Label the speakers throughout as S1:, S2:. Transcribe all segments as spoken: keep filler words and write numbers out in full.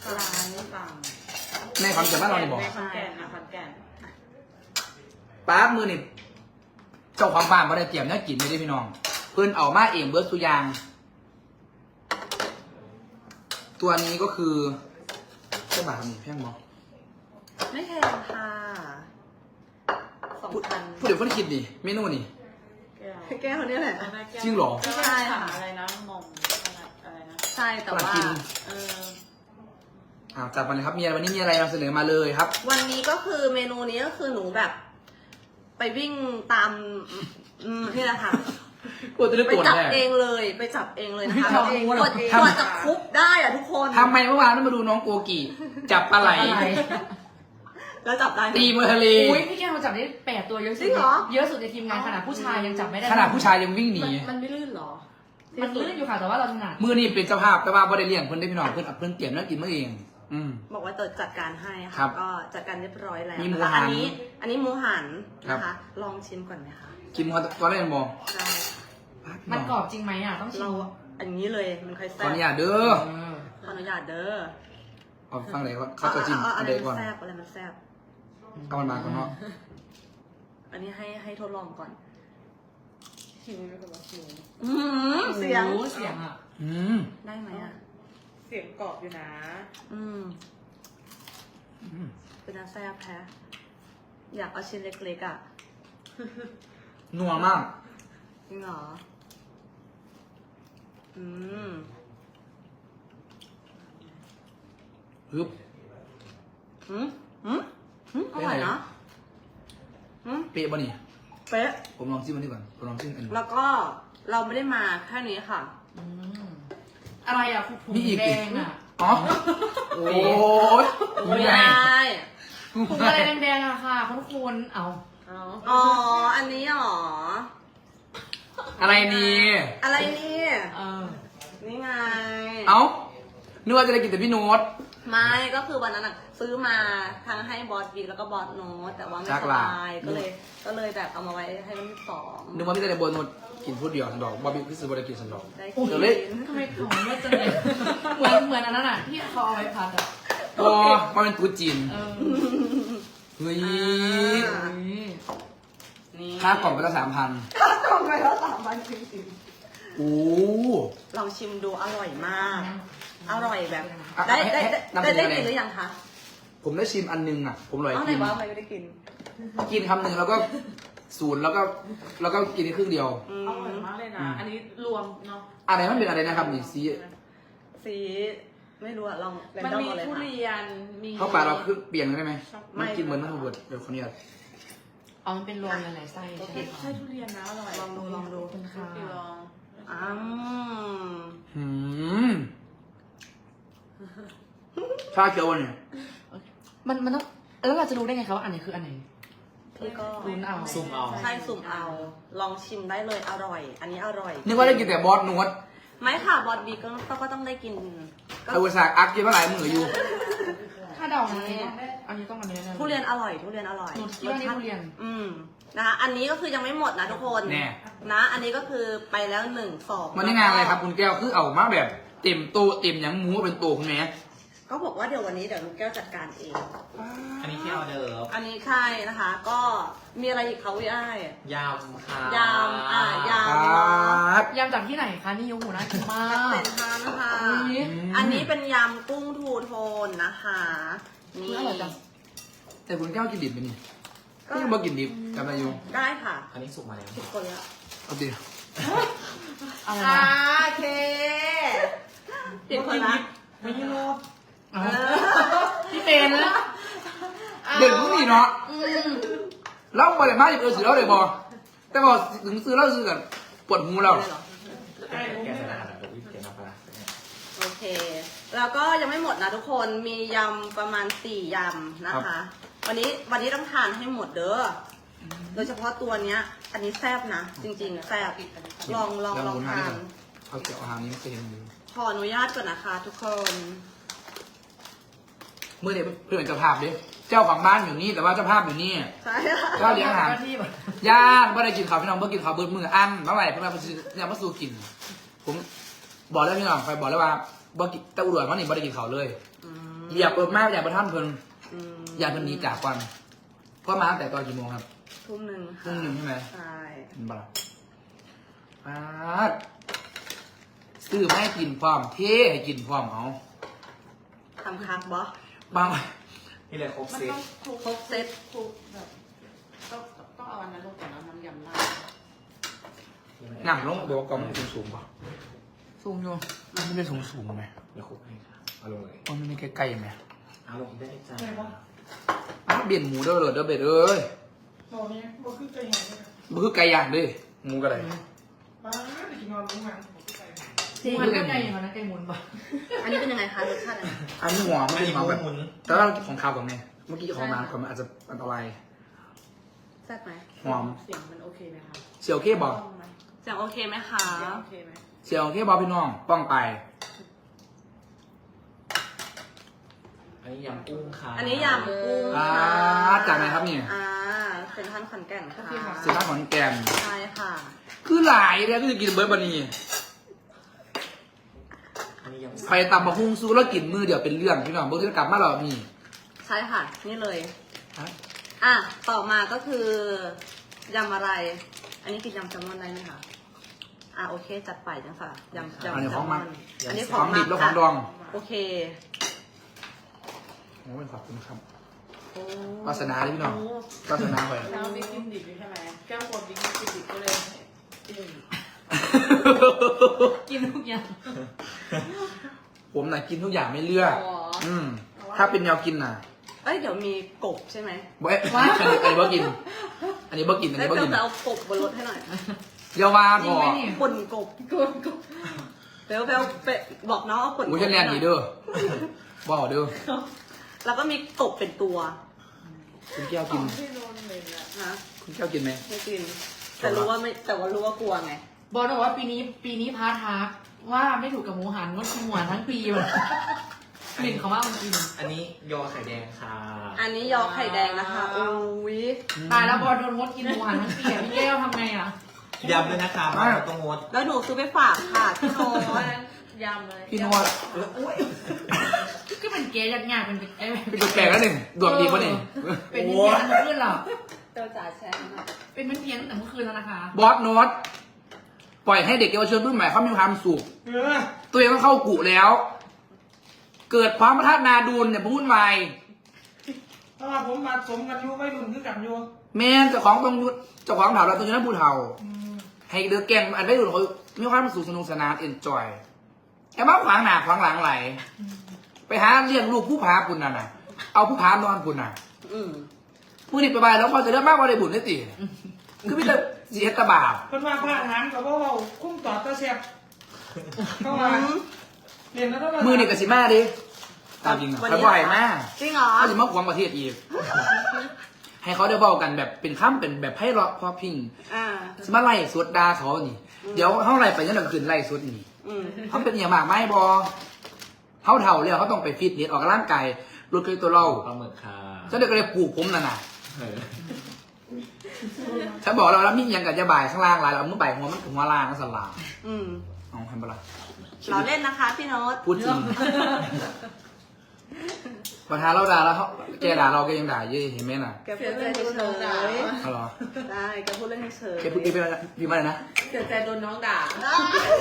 S1: ร้านฟัง
S2: ในคอนเสิร์ตบ้านเราเนี่ยบอก
S1: ในคอนแก่นนะคอนแก่น
S2: ป้ามือนี่เจ้าของบ้านมาได้เตรียมเนื้อกินไม่ได้พี่น้องเพื่อนเอามาเองเบิร์ดสุยาง ตัวนี้ก็คือเจ้าบ่าวนี่เพียงบอก
S1: ไม่แพงค่ะสองพัน
S2: พูดเดี๋ยวเพื่อนคิดดิเมนูนี่
S1: แก้วเนี่ยแหละ
S2: จริงเหรอ
S1: ใช่ค่ะ
S3: อะไรนะมอมอะไรนะ
S1: ใช่แต่ว่า
S2: กิน
S1: เออ
S2: อ่าจัดมาเลยครับมีอะไรวันนี้มีอะไรนำเสนอมาเลยครับ
S1: วันนี้ก็คือเมนูนี้ก็คือหนูแบบ ไปวิ่งตามอืมนี่แหละค่ะ
S2: กลัวจะได้
S1: ไป
S2: ปวด
S1: จับ
S2: แน่
S1: เองเลยไปจับเองเลยนะคะ
S2: ทำเองวะ
S1: กว่า
S2: ทำ
S1: กว่าจะคุกได้อะทุกคน
S2: ทำไมเมื่อวานนั้นมาดูน้องโกกีจับปลาไหล
S1: แล้วจับได้ไหม
S2: ตีมือทะเล
S3: อุ้ยพี่แก้วเราจับได้แปดตัวเยอะสุ
S1: จริ
S3: ด
S1: งเหรอ
S3: เยอะสุดในทีมงานขนาดผู้ชายยังจับไม่ได้
S2: ขนาดผู้ชายยังวิ่งหนี
S1: มันไม่ลื่นเหรอ
S3: มันลื่นอยู่ค่ะแต่ว่าเราถนัด
S2: มือนี่เป็นเจ้าภาพแต่ว่าบ่ได้เลี้ยงเพื่อนได้พี่น้องเพื่อนเอาเพื่อนเตรียมเนื้อกินมาเอง อืม
S1: บอกว่าจะจัดการให้
S2: ครั
S1: ค่ะ
S2: บ
S1: ก็จัดการเรียบร้อยแล้ว
S2: มีหมู
S1: นะคะ
S2: หัน
S1: อันนี้ อันนี้หมูหัน
S2: ครับ
S1: นะคะ ลองชิมก่อนไหมคะ
S2: กินมันตอนแรกบอก
S1: ได้
S3: มันกรอบจริงไหมอ่ะต้องชิ
S1: เรา
S3: ม
S1: อันนี้เลยมันค่อย
S2: ข
S1: แซ่
S2: อบ อนุญาตเด้อ
S3: เออ
S1: ขออนุญาตเด้อ
S2: เอาฟังไหนก่อนเขาจะจิ้ม
S1: เอา
S2: อั
S1: อะ
S2: น
S1: ไร
S2: ใด
S1: มั
S2: ก่อน
S1: นแซ่บอะไรมันแซ่บ
S2: เอามันมาก่อนเนาะ
S1: อันนี้ให้ให้ทดลองก่อน
S3: หิวไหมคะหิว
S1: อืมเสียง
S3: โอ้โหเสียงอ่ะ
S2: อืม
S1: ได้ไหมอ่ะ
S3: เสียงกรอบอยู่นะ
S1: อืม
S2: อืม
S1: เป็นน้ำแซ่บแท้อยากเอาชิ้นเล็กๆอ่ะ
S2: นัวมาก
S1: จริงเหรอ อืม
S2: ฮึบ
S1: หืมหืมหืมอร่อยนะหืม
S2: เป๊ะป่ะนี่
S1: เป๊ะ
S2: ผมลองชิมอันนี้ก่อนผมลองชิมอันนี้
S1: แล้วก็เราไม่ได้มาแค่นี้ค่ะ
S3: อืมอะไรอ่ะถุง
S2: มีอีก
S3: แด
S2: ดิ
S3: งอ่ะ
S2: อ๋อโอ้ย
S1: ไม่
S2: ไง
S1: ได้
S3: ถุงอะไรแดงๆอะค่ะคุณคุณเอา
S1: อ๋อ อันนี้หรอ
S2: อะไรนี่
S1: อะไรนี่
S3: เออ
S1: นี่ไง
S2: เอ้านึกว่าจะได้กินแต่พี่โน้ต
S1: ไม่ก็คือวันนั้นอะซื้อมาทั้งให้บอสบิ๊กแล้วก็บอสโน้ตแต่ว่าไม่
S2: จัก
S1: ส
S2: ล่ะ
S1: บายก็เลยก็เลยแบบเอามาไว้ให้วันที่สอง
S2: นึกว่าพี่จะได้โบนโน้ตกินพูดเดียวสันดอกบอบบี้พี่ซื้อบริกินสันดอก
S1: ได้
S3: โอ้
S1: กิ
S3: ย
S2: เดี๋ยวเลย
S3: ทำไมของเยอะจังเลยเหมือนเหมือนอันนั้นอ่ะที่เขาเอาไว้พัดอ่ะ
S2: พอมาเป็นตูจีน
S3: เออ
S2: เฮ้ย
S3: นี่
S1: นี่
S2: ค่ากล่องไปละสามพัน
S1: ค่ากล่องไปแล้วสามพันจริง
S2: โอ้
S1: ๆลองชิมดูอร่อยมาก อร่อยแบบ
S2: อ่ะ
S1: ได้
S2: ให้
S1: ได้
S2: ให้
S1: ได้
S2: นำเส
S1: ได้
S2: นอ
S1: ได้
S2: อะไร
S1: กินหรือยังคะ
S2: ผมได้ชิมอันนึงอ่ะ ผมอร่อย
S1: เอาไหน
S2: กิน
S1: วะไม่ได้กิน
S2: กินคำหนึ่งแล้วก็ศูนย์แล้วก็แล้วก็กินในครึ่งเดียว
S1: อื
S3: อร่อย
S1: ม
S3: มากเลยนะ
S2: อืม
S3: อันนี้รวมเนาะ
S2: อะไรมันเป็นอะไรนะครับนี่ซี
S1: สีไม่รู้อะลองแร
S3: มัน
S1: ดอ
S3: มี
S1: เอาเลย
S3: ทุ
S1: ค่ะ
S3: เรียน มี
S2: เข้าปากเราคือเปลี่ยนได้ไหม
S1: ไม่
S2: มันกินเหมือนมันเบิดเดี๋ยวคนนี้
S3: อ๋อมันเป็นรวมหลายๆไส้ใช่ไหม
S4: ใช่ทุเรียนนะอร่อย
S1: ลองดูลองดู
S3: คุณค่ะ
S4: ไปลอง
S1: อืม
S2: หืมชาเขียวเนี่ย
S3: มันมันต้องแล้วเราจะรู้ได้ไงคะว่าอันไหนคืออันไหน
S1: พี่ก็
S3: ลุ้นเอา
S5: ซุ่มเอา
S1: ใช่สุ่มเอา ลองชิมได้เลยอร่อย อันนี้อร่อย
S2: นึกว่าได้กินแต่บอสนวด
S1: ไม่ค่ะบอสบีก็ก็ก็ต้องได้กินก็
S2: ไอ้อุตสาห์อักกินมาหลายมืออยู่
S3: ถ้าเดานะอันนี้ต้องอันนี้แน่ๆ
S1: ทุเรียนอร่อย ทุเรียนอร่อย
S3: หนูคิดว่านี่ทุเรียน
S1: อืมนะคะอันนี้ก็คือยังไม่หมดนะทุกคน
S2: แน่
S1: นะ อันนี้ก็คือไปแล้วหนึ่งสอง
S2: มันนี่งานอะไรครับคุณแก้วคือเอามาแบบเต็มโตเต็มหยังหมูเป็นโตคุณแม่
S1: ก็บอกว่าเดี๋ยววันนี้เดี๋ยวลูกแก้วจัดการเอง
S5: อันนี้ที่ออเดิร์ฟ
S1: อันนี้ใช่นะคะ ก็มีอะไรอีกเขาวิอ้าย
S5: ยำค่ะ
S1: ยำอ่ะย
S2: ครับ
S3: ยำจากที่ไหนคะนี่ยูหูน่ากินมา
S1: ำเป็
S3: ก
S1: นทานนะคะ
S3: อุ๊ย
S1: อันนี้เป็นยำกุ้งทูโทนนะคะ นี่
S3: อร่อยจัง
S2: แต่คุณแก้วกินดิบไหมนี่
S1: ก็
S2: ก็ยังบ่กินดิบจำได้อยู่
S1: ได้ค่ะ
S5: อันนี้สุกมาแล้ว
S1: ทุกคนแล้ว
S2: เอาดิ
S3: อะไร
S1: อ่า
S3: นะ
S1: โอเคผิดคนละ
S3: ไม่ใช่รอบ
S1: เออ
S3: พี่เป็นแล้ว
S2: เด็กพวกนี้เนาะ
S3: อืม
S2: เราบ่ได้มาอยู่เออซื้อเราเลยบ่แต่พอถึงซื้อเราซื้อกันปวดหูเรา
S1: เลยเหรอ
S5: แกะใส่รหัสเดี๋ยววิปเกน้ำปลาร้า
S1: โอเค แล้วก็ยังไม่หมดนะทุกคน มียำประมาณสี่ยำนะคะ วันนี้วันนี้ต้องทานให้หมดเด้ออโดยเฉพาะตัวเนี้ย อันนี้แซ่บนะ จริงๆแซ่บ ลองลองลองทาน
S2: เขาเกี่ยวอาหารนี้ไม่เคยเห็นอยู่
S1: ขออนุญาตก่อนนะคะ ทุกคน
S2: เมื่อเด็กเพื่อนเจ้าภาพดิเจ้าของบ้านอยู่นี่แต่ว่าเจ้าภาพอยู่นี่
S1: ใช่ค่ะ
S2: ก็เลี้ยงอาหาร
S3: ที่แบบ
S2: ย่าเมื่อไรกินข้าวพี่น้องเมื่อกินข้าวเบิดมืออันเมื่อไหร่เพื่อนมาซื้อเนี่ยมาสู้กิน ผมบอกแล้วพี่น้องไปบอกแล้วว่าบ่กินแต่อุดรมันนี่บ่ได้กินข้าวเลย
S1: อืม
S2: เหยียบเปิดมากอย่าประท่านเพิ่น
S1: อืม
S2: อย่าเพิ่นหนีจากวันเพราะมาตั้งแต่ตอนกี่โมงครับ
S1: ทุ่มหนึ่งค่ะ
S2: ทุ่มหนึ่งใช่ไหม
S1: ใช่
S2: เห็นปะล่ะป๊าดซื้อมาให้กินพร้อมเท่ให้กินพร้อมเอา
S1: ทำคักบอ
S2: บาง
S5: นี่เลยครบ
S3: มัน
S5: เซ็ต
S3: ต้องคลุก
S1: ครบเซต
S3: คลุกแบบต้องต้องเอาอันนั้นลงก่อนแล้วน้ำยำราด
S2: หนำลงบอกว่ากล่องมันสูงสูงป่ะสูงอยู่มันไม่ได้สูงสูงไหม
S5: เดี๋ยวครบให้ค่ะเอาลงเลย
S2: มันไม่ได้ใกล้ๆไหม
S5: เอาลงได้จ้า
S2: อ้าวเบียนหมูเด้อเลยเด้อเบ็ดเอ้ย
S4: โอ้ยบ่คือไก่แห้งเลย
S2: มันคือไก่ย่างเดิหมูกระไร
S4: ป้าไปกินนอนรู้มั้งบ่คือไก่แห้ง
S3: จริงมันก็ไก่อย่างนั้นไก่หมุนปะ
S1: อันนี้เป็นยังไงคะรสชาติอะไร
S2: อันนี้หัวมัน
S5: อัน
S2: เป็น
S5: นี้
S2: ของแบบ
S5: หมุน
S2: แต่ว่าเรากินของคาวก่อนไงเมื่อกี้ของน้ำก่อนมันอาจจะอันตราย
S1: แซ่บไหม
S2: หอม
S3: เสียงมันโอเคไหมคะ
S2: เสี่ยวเข้บอก
S3: ต้องไหม
S1: เสียงโอเคไหมคะ
S3: เสียงโอเคไหม
S2: เสี่ยวเข้บอกพี่น้องป้องไป
S5: อันนี้ยำกุ้งค่ะ
S1: อันนี้ยำกุ้ง
S2: อ่า
S1: ค่ะ
S2: จากไหนครับเนี่ย
S1: อ่าเซ็นทรัลขอนแก่นค่ะ
S2: สินค้าของแกม
S1: ใช่ค่ะ
S2: คือหลายเนี่ยก็จะกินเบิร์ดบันนี่
S5: อันนี้ยำ
S2: ไปตำมาหุ้งซูแล้วกินมือเดี๋ยวเป็นเรื่องพี่น้องเบิร์ดที่กลับมาเรานี่
S1: ใช่ค่ะ นี่เลย
S2: ฮะ
S1: อ่ะ ต่อมาก็คือยำอะไร อันนี้คือยำแซลมอนได้ไหมคะ อ่ะโอเค จัดไปจังค่ะยำยำ
S2: อันนี้
S1: แซ
S2: ข
S1: ล
S2: อง
S1: ม
S2: มั
S1: อก นอันนี้ข
S2: ข
S1: อ
S2: อง ง
S1: มั
S2: ดิ
S1: ก
S2: บแล้วของดอง
S1: โอเค
S2: โอ้ยขอบคุณครับ
S1: โอ้
S2: วาสนาเลยพี่น้อง วาสนาไป
S3: แล้วบิ๊กกินดิบใช่ไหมแก้วกดบิ๊กกินดิบก็เลยกินกินทุกอย่าง
S2: ผมน่ะกินทุกอย่างไม่เลือก
S1: อ๋อ
S2: อืมถ้าเป็นแนวกินน่ะ
S1: เอ้ย เดี๋ยวมีกบใช่ไหม
S2: เว้ยอันนี้อันนี้เบิร์กิน อันนี้เบิร์กินอัน
S1: เอ้ย
S2: นี้เบิร์
S1: เดี๋ยว
S2: กิน
S1: ไปเอากบบนรถให้หน่อย
S2: เยาวา
S3: จ
S2: บ
S3: ริง
S2: อ
S3: ไหม
S2: ก
S3: นี่
S1: ป่นกบกบกบเดี๋ยวไปเอาไปบอกน้องเอาป่นก
S2: อุ้ย
S1: บ
S2: ฉันแลนดีเด้อบอกเด้อ
S1: แล้วก็มีกบเป็นตัว
S2: คุณแก้วกิน
S3: ที่โดนเลยอะ
S1: นะ
S2: คุณแก้วกินไหม
S1: ไม่กิน แต่รู้ว่าไม่ แต่ว่ารู้ว่ากลัวไง
S3: บอลบอกว่าปีนี้ปีนี้พาทักว่าไม่ถูกกับหมูหันงดกินหมูหันทั้งปีเลยกลิ่นเขาว่ามันกิน
S5: อันนี้ยอไข่แดงค่ะ
S1: อันนี้ยอไข่แดงนะคะโอ้ย
S3: ตายแล้วบอลโดนงดกินหมูหันทั้งปีอ่ะพี่แก้วทำไงอ่ะ
S5: ยำด้วยนะคะมาต้องงด
S1: แล้วหนูซื้อไปฝากค่ะพี่โน้ต
S3: ยำเลย
S2: พี่นวัด
S3: ก็เป็นเกย์ยากๆเป็นไอ้
S2: เป็นตัวแปลกแล้วหนึ่งดวงดีป่ะนี่
S3: เป็นเพี้ยนเมื่อคืนเหรอ
S1: เจ้าจ๋าแชร์มา
S3: เป็นเพี้ยนตั้งแต่เมื่อคืนแล้วนะคะ
S2: บอสโน้ตปล่อยให้เด็กเยาวชนรุ่นใหม่เขามีความสุข
S4: เออ
S2: ตัวเองต้องเข้ากุแล้ว เกิดความประทัดนาดูนเนี่ยพุ่นวาย
S4: ถ้าว่าผมมาสมกันอยู่ไม่รุ่นคือกันอยู่
S2: แม่นเจ้าของต้องยุดเจ้าของเถาเราต้องยุดนักผู้เฒ่า
S4: อืม
S2: ให้เดือแกงอันไม่ดุนเขามีความสุขสนุกสนานเอนจอยแค่มาขวางหน้าขวางหลังไหล ไปหาเลี้ยงลูกผู้พาคุณน่ะนะเอาผู้พานอนคุณน่ะ
S1: อืม
S2: ผู้นี้ไปไปแล้วพอจะเริ่มมากกว่าได้บุญได้ตีคือพี่จะเสียตะบาป
S4: เพิ่นว่าพระอาหารกับว่าเว้าคุ้มต่อตะแซ่บเข้ามาเรียนแล้วต้อง
S2: มือนี่กับสิมาดิตามจริงอ่ะเขาบ่อยมาก
S1: จริงเหรอ
S2: เขาจะมาขวางประเทศอีก ให้เขาได้บอกกันแบบเป็นข้ามเป็นแบบให้เราะพอพิง
S1: อ่า
S2: สมาไล่สวดดาเขานี่ เดี๋ยวเขาไล่ไปยันหลังคืนไล่สวดนี่
S1: อืม
S2: เขาเป็นอย่างมากไม่บอเขาเท่าแล้วเขาต้องไปฟิตเนสออกกำลังกายลดเคยตัวเรา
S5: ปลาหมึกค่ะ
S2: ฉันเด็กก็เลยปลูกผมน่ะนะ
S5: เออ
S2: ฉันบอกเราแล้วมีอย่างกับจะบ่ายข้างล่างหลายเราเมื่อบ่ายหัวมันถึงหัวล่างก็สลาม
S1: อืม
S2: เอาให้ปะละ
S1: เราเล่นนะคะพี่โน้ต
S2: พูดจริงประธานเราด่าแล้วเขาแกด่าเราแกยังด่าเยอะเห็นไหมน่ะ
S1: แกพูดเล่นเฉย
S2: เอาเหรอ
S1: ๆได้แกพูดเล่นเฉยๆ
S2: แกพูดดีไปแล้วดีมากเลยนะ
S3: เสียใจโดนน้องด่า
S1: ได้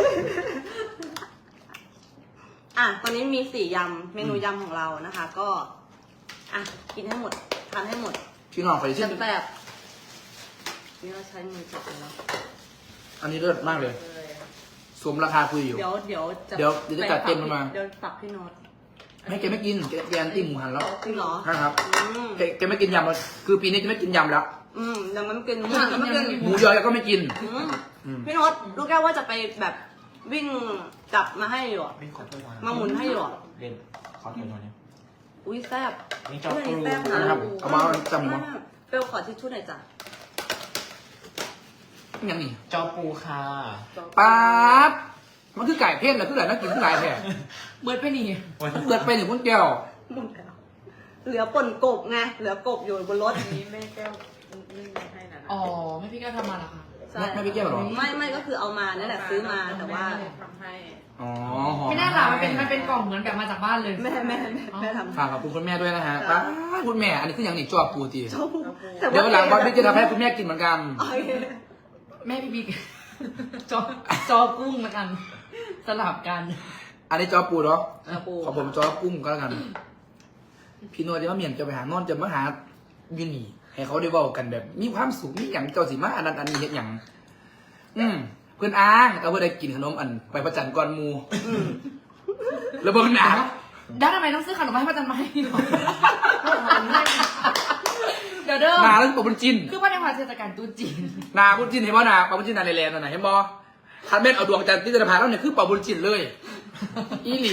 S1: อ่ะ ตอนนี้มีสี่ยำ เมนูยำของเรานะคะ ก็ อ่ะ กินให้หมด ทานให้หมด
S2: พี่น้องขอ
S1: จะ
S2: ชิม
S1: แบบนี่เราใช้มือจับเลยเนาะ
S2: อันนี้เลิศมากเลยสมราคาคุยอยู่
S1: เดี๋ยวเดี๋ยวจะ
S2: เดี๋ยวเดี๋ยวจะจัดเต็มลงมา
S1: เดี๋ยวปักพี่โน้ต
S2: ไม่แกไม่กินแกแกอันตี้หมูหันแล้ว
S1: จริงเหรอ
S2: ใช่ครับ
S1: อืม
S2: แกแกไม่กินยำแล้วคือปีนี้จะไม่กินยำแล้ว
S1: อืมยังไม่กินยังไม่กิน
S2: หมูยอแกก็ไม่กิน
S1: อืม
S2: อืม
S1: พี่โน้ตลูกแก้วว่าจะไปแบบวิ่งกลับมาให้อยู่อะ
S5: ไม่ขอโทษนะ
S1: มาหมุนให้อยู่อะ
S5: เล่นขอโทษหน่อยนะ
S1: อุ้ยแซ่บ
S5: นี่เจ้า
S1: อุ้ยอัน
S5: ครู
S1: นี้แซ่บนะ
S2: นะครับเอามาจำมั้ง
S1: เปลวขอทิชชู่หน่อยจ้ะ
S2: ยังนี่
S5: เจ้าปูค่ะ
S2: ป๊าบมันคือไก่เพ่นเหรอคือไก่น่ากินคือไก่แท้
S3: เบิร์ดไปนี่
S5: วัน
S2: เกิดไปหนึ่งคนแก้ว
S1: หมดแล้วเหลือป่นกบไงเหลือกบอยู่บนรถ
S3: นี้แม่แก้วนึ่งให้นะอ๋อแม่พี่แก้วทำมาเหรอคะ
S1: ใช่ช่
S2: ไม่ไม่ไปเกี่ยวหรอ
S1: ไม่ไม่ก็คือเอามานั่นแหละซื้อมาแต่ว่า
S4: ทำให้
S2: อ๋อหอ
S3: ไม่น่าหล่ะมันเป็นมันเป็นกล่องเหมือนกับมาจากบ้านเลย
S1: แม่แม่แม่แม่ทำ
S2: ฝากขอบคุณคุณแม่ด้วยนะฮะ
S1: จ้ะ
S2: ป้าคุณแม่อันนี้คืออย่างนี้จอบปูตี
S1: ชอบแต่
S2: เดี๋ยววันหลังบอสพี่จะทำให้คุณแม่กินเหมือนกัน
S1: โอเค
S3: แม่พี่บิ๊ก จอจอกุ้งละกัน สลับกัน
S2: อันนี้จอบปูเนาะ
S1: เออปู
S2: ขอผมจอบกุ้งก็แล้วกัน พี่นวลจะมาเมียนจะไปหานอนจะมาหายูนี่ให้เขาได้เว้ากันแบบ มีความสุขมีอย่างเจ้าสิมาอันนั้นอันนี้เห็นอย่างอืมเพื่อนอ้างเอาเพื่อนได้กินขนมอันไปประจันก่อนหมูแล้วเบิ่งหนา
S3: ด้านทำไมต้องซื้อขนมมาให้ป้าจันมาให้หรอเดี๋ยวเด้อ
S2: หนาแล้วปะบุญจิน
S3: คือว่าในวันเทศกาลตรุษจีน
S2: หนาบุญจินเห็นบ่หนาปะบุญจินหนาในแลนด์นั่นน่ะเห็นบ่ทันเม็ดเอาดวงจันทร์ที่จะพาแล้วเนี่ยคือปะบุญจินเลย อีหลี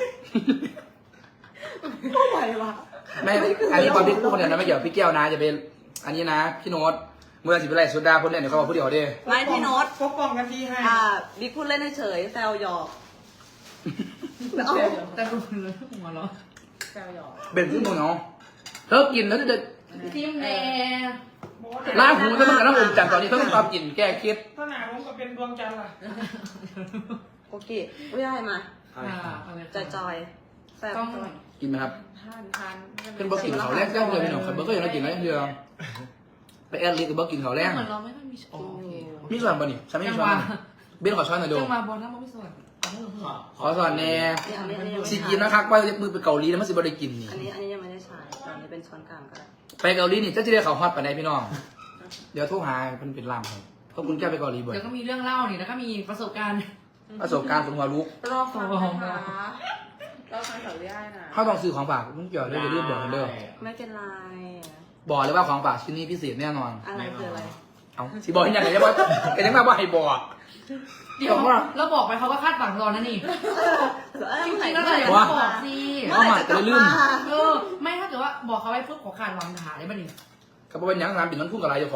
S1: ไม่ไหววะ
S2: แม่อันนี้ความพี่พูดคนเดียวนะไม่เกี่ยวพี่แก้วนะจะเป็นอันนี้นะพี่โน้ตเมื่อสิบเป็นไรสุดาคนเล่นเดี๋ยวเขาบอกผู้เดียวเด้
S1: ไม่พี่โน้ต
S4: ปกป้องกันทีให้
S1: อ่าบิ๊กพูดเล่นเฉยๆแซวหยอกเอา
S3: แต่ดูเลยหัวเราะ
S4: แซวหยอก
S2: เป็นขึ้นมึงเนาะเธอกินแล้วจะ
S3: ทิมแน่
S2: ล้างหูจะต้องการน้ำอมจันทร์ตอนนี้ต้องความกินแก้เครียด
S4: ถ้าหนาผมก็เป็นดวงจันทร์ล่ะ
S1: โอเคไม่ได้มา
S3: ค่ะเอาเลย
S1: จอยจอยๆแซ่บ
S3: ต้อง
S2: กินไหมครับ
S4: ทานทาน
S2: เป็นบอกกินเขาวแรกแรกเลยพี่น้องเขาเบอร์ก็ยังไม่กินแล้วเดียวไปแอดลิสกับบอกกินเขาวแรก
S3: เหมือนเราไม่ค่อยมีโอเค
S2: มีส่วนป่ะนี่ฉันไม่มีส่วนเบนขอช้อนหน่อยดู
S3: จังหวะบอลน้ำมันไม่สวย
S2: ขอสอนแน่
S1: นี่อันนี้อันนี้ยังไม่
S2: สิ
S1: ใช่
S2: กินนะครับว่ามือไปเกาหลีแล้วมันสิบ่ได้กินนี่
S1: อันนี้อันนี้ยังไม่ได้ใช้ตอนนี้เป็นช้อนกลางก็ได้
S2: ไปเกาหลีนี่จะจะได้เขาฮอตปานใดพี่น้องเดี๋ยวโทรหาเป็นเป็นลำครับเพราะคุณแก้วไปเกาหลีบ่อย
S3: เดี๋ยวก็มีเรื่องเล่านี่แล้วก็มีประสบการณ์
S2: ประสบการณ์คนหัวลุก
S4: รอฟังนะคะรอฟังเขาได้นะ
S2: เขาต้องซื้อของฝากมึงเกี่ยวด้วยอย่าลืมบอกกันเด้อ
S1: ไม่เป็นไร
S2: บอกเลยว่าของฝากชิ้นนี้พิเศษแน่นอน
S1: อะไรคืออะไร
S2: เอาสิบอกยังไงจะบอกแกยังมาว่าให้บอก
S3: เดี๋ยวเราบอกไปเขาก็คาดหวังรอนะนี่
S1: เอ้ย
S3: จริง
S1: เมื่อ
S3: ๆ
S1: ไห
S3: แล้ว
S1: ร่
S3: เลย
S1: เมื่อไหร่
S3: บอกสิ
S2: เอามาจะได้ลืม
S3: เออไม่ถ้าเกิดว่าบอกเขาไว้ปุ๊บขอขาดหวังหาได้ป่ะนี่
S2: ก็เป็นยังงานปิดน้ำพุ่งกับอะไรเจ้าของ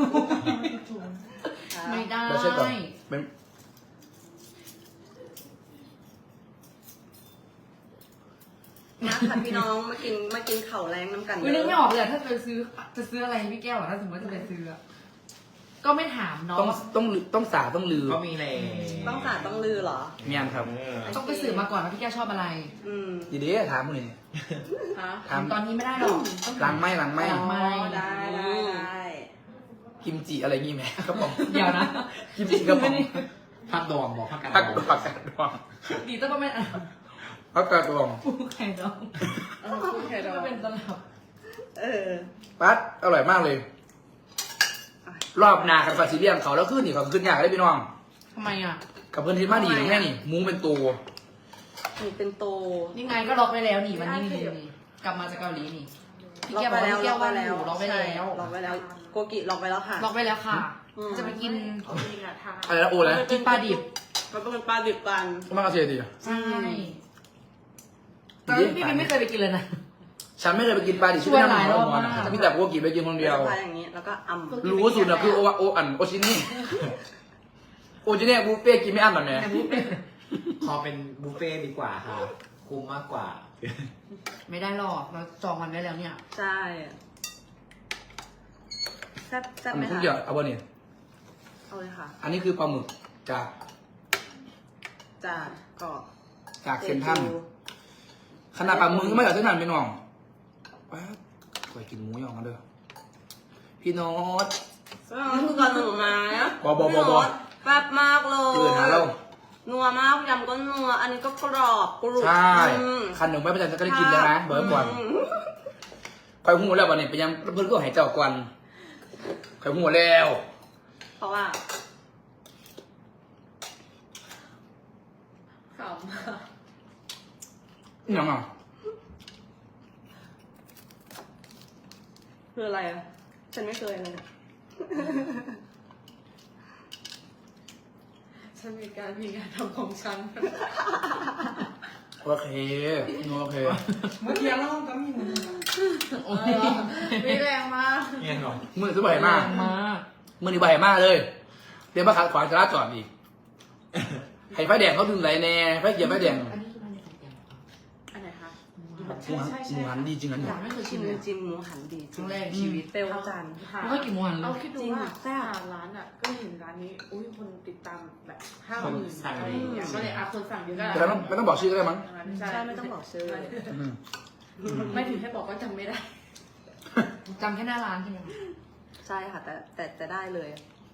S3: ไม่ได้
S2: เราเช็คก่อนเป็น
S1: นะค่ะพี่น้องมากินมากินเข่าวแรงน้ำกัน
S3: อุ้ยนึกไม่ออกเลยอะถ้าจะซื้อจะซื้ออะไรให้พี่แก้วอะถ้าสมมติว่าจะไปซื้ออะก็ไม่ถามเนาะ
S2: ต้องต้องต้องสาต้องลือ
S5: ก็มีเลย
S1: ต้องสาดต้องลือเหรอ
S2: เมียนครับ
S3: ต้องไปสืบมาก่อนว่าพี่แก้วชอบอะไร
S1: อืม
S2: ดีดีถามมึงนี่
S4: ฮะ
S2: ถาม
S3: ตอนนี้ไม่ได้หรอกต้อง
S2: หลังไม่หลังไม่
S3: หลังไม่
S4: ได้ได้ได้
S2: กิมจิอะไรงี้ไหมครับผม
S3: เดี๋ยวนะ
S2: กิมจิครับผม
S5: พักดองบอกพักกัน
S2: ผักผักกาดดอง
S3: ดีต้องก็ไม่อ่ะ
S2: ผักกาดดอง
S3: ปูไข่ดอง
S4: เออพูดแค่ดอ
S3: ก็
S4: ก
S3: เป็นตลับ
S1: เออ
S2: ปั๊ดอร่อยมากเลย รอบหนากับฟาซิเลียมเขาแล้วขึ้นนี่เขาขึ้นยากเลยพี่น้อง
S3: ทำไมอ่ะ
S2: กับเพื่อนที่มาดีนี่แม่นี่มุ้งเป็นตัว
S1: นี่เป็นโต
S3: นี่ไงก็ล็อกไปแล้วนี่วันนี้นี่นี่กลับมาจากเกาหลีนี่พี่
S1: ล็อก
S3: แก้ว
S1: ไป
S3: บอก
S1: แล้ว
S3: พี่
S1: ล็
S3: แก้
S1: อก
S3: ว
S1: ไป
S3: ว่าอ
S1: แล้ว
S3: ยู่ล็อกไปแล้ว
S1: ล็อกไปแล้ว โกกิล็อกไปแล้วค่ะ
S3: ล็อกไปแล้วค่ะ
S1: อืม
S3: จะไปกิน
S4: จริงอะทาน
S2: อะไรนะโอ้แล้ว
S3: กินปลาดิบ
S1: มันเป็นปลาดิบกัน
S2: มากระเทียดี
S3: ใช่แต่ว่าพี่บิ๊กไม่เคยไปกินเลยนะ
S2: ฉันไม่เคยไปกินปลาดิบ
S3: ชวนหลายรอบมาก
S2: พี่แต่โกกิไปกินคนเดียว
S1: ปลาอย่างนี้ แล้วก็อ่ำ
S2: รู้สุดนะคือโอวาโออันโอชินี่โอชินี่บุฟเฟ่กินไม่อั้นแบบนี้
S5: ขอเป็นบุฟเฟ่ต์ดีกว่าค่ะคุ้มมากกว่า
S3: ไม่ได้หรอกเราจองมันไว้แล้วเนี่ย
S1: ใช่แซ่บแซ่บไหม
S2: ทุก
S1: คะ
S2: อย่างเอาบะเนี่ย
S1: เอาเลยค่ะ
S2: อันนี้คือปลาหมึกจาก
S1: จากเกาะ
S2: จากเซนทรัลขนาดปลาหมึกก็ไม่จากเซนทรัลพี่น้องป๊าดคอยกินหมูยองมาเด้อพี่โน้ต
S1: แล้วคือก่อนหนูมานะ
S2: บอบอบอบอ
S1: แซ่บมากเลย
S2: เกินหาเรา
S1: นัวมากยำก็นัว อันนี้ก็กรอบกรุบ
S2: ใช่
S1: อืม
S2: คันหนึ่งไม่ประจันจะก็ได้กินแล้วนะเบิร์ดก่อน
S1: อืม
S2: คอยหูแล้ววันนี้ไปยังเพื่อนก็หายเจ้ากวนคอยหูแล้ว
S1: เพราะว่า
S4: ขำ
S2: นี่ยังอ่ะ
S1: คืออะไรอ่ะ ฉันไม่เคยเลย
S4: ฉันมีการมีงานทำของฉัน
S2: โอเคโอเค
S4: เมื่อกี้เราก็มีหนึ่ง
S3: โอ้ย
S4: มีแรงมาก
S5: เงี้ยหรอ
S2: มือซื้อใบมาก
S3: มาก
S2: มือนี่ใบมากเลยเดี๋ยวมาขัดขวางจราจรอีกให้ไฟแดงเขาถึงไรแน่ไฟเขียวไฟแดง
S3: อันนี้คือมันในสายแก้ว
S4: อันไหนคะ
S3: ม
S2: หมูหันหมูหันดีจริงอัน
S3: อ
S2: นี้
S3: ยากไม่เคย
S1: ชิ
S3: ชิ
S1: ม
S3: มเลย
S1: จิ้มหมูหันดี
S3: ครั้งแรกในชีวิต
S1: เปลวจันทร์
S3: ไม่ค่อยกินหมูหันเล
S6: เรา
S3: ย
S6: คิดดู
S1: จริง
S6: ว่า
S1: แซ่บ
S6: หาร้านอ่ะ ก็เห็นร้านนี้ อุ้ยคนติดตามแบบห้า
S5: คน
S6: หมื่น
S5: สั่ง
S6: อะไรอย่างเงี้ยก็เลยอ่ะคนสั่งเยอะก็
S2: แต่ไม่ต้องไม่ต้องบอกชื่อก็ได้มั้ง
S6: ใช่
S1: ใช่ไม่ต้องบอกชื่อ
S2: อืม
S6: ไม่ถึงให้บอกว่าจำไม่ได้
S3: จำแค่หน้าร้านใช่ไหมคะ
S1: ใช่ค่ะ แต่แต่แต่ได้เลย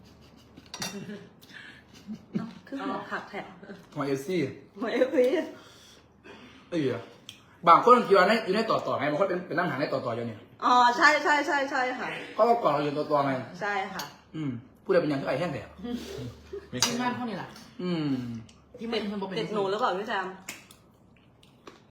S1: เอ้าคือหัวผักแถบ
S2: หัวเอฟซี่
S1: หัวเอฟพี
S2: เอ้ยบางคนคิดว่าในอยู่ในต่อต่อไงบางคนเป็นเป็นนั่งหาในต่อต่ออยู่เนี่ย
S1: อ๋อใช่ใช่ใช่ใช่ค่ะ
S2: เพราะว่าก่อนเราอยู่ต่อต่อไง
S1: ใช่ค่ะ
S2: อืมผู้ใดเป็นอย่างที่ไอ้แห้งแต่
S5: ไม่
S3: ที่
S5: ใช่
S3: บ้านพวกนี้แหละ
S2: อืม
S3: ที่ไม่เป็นคนบอกเป็น
S1: ติดหนูหรือเปล่าพี่แจม
S3: ไ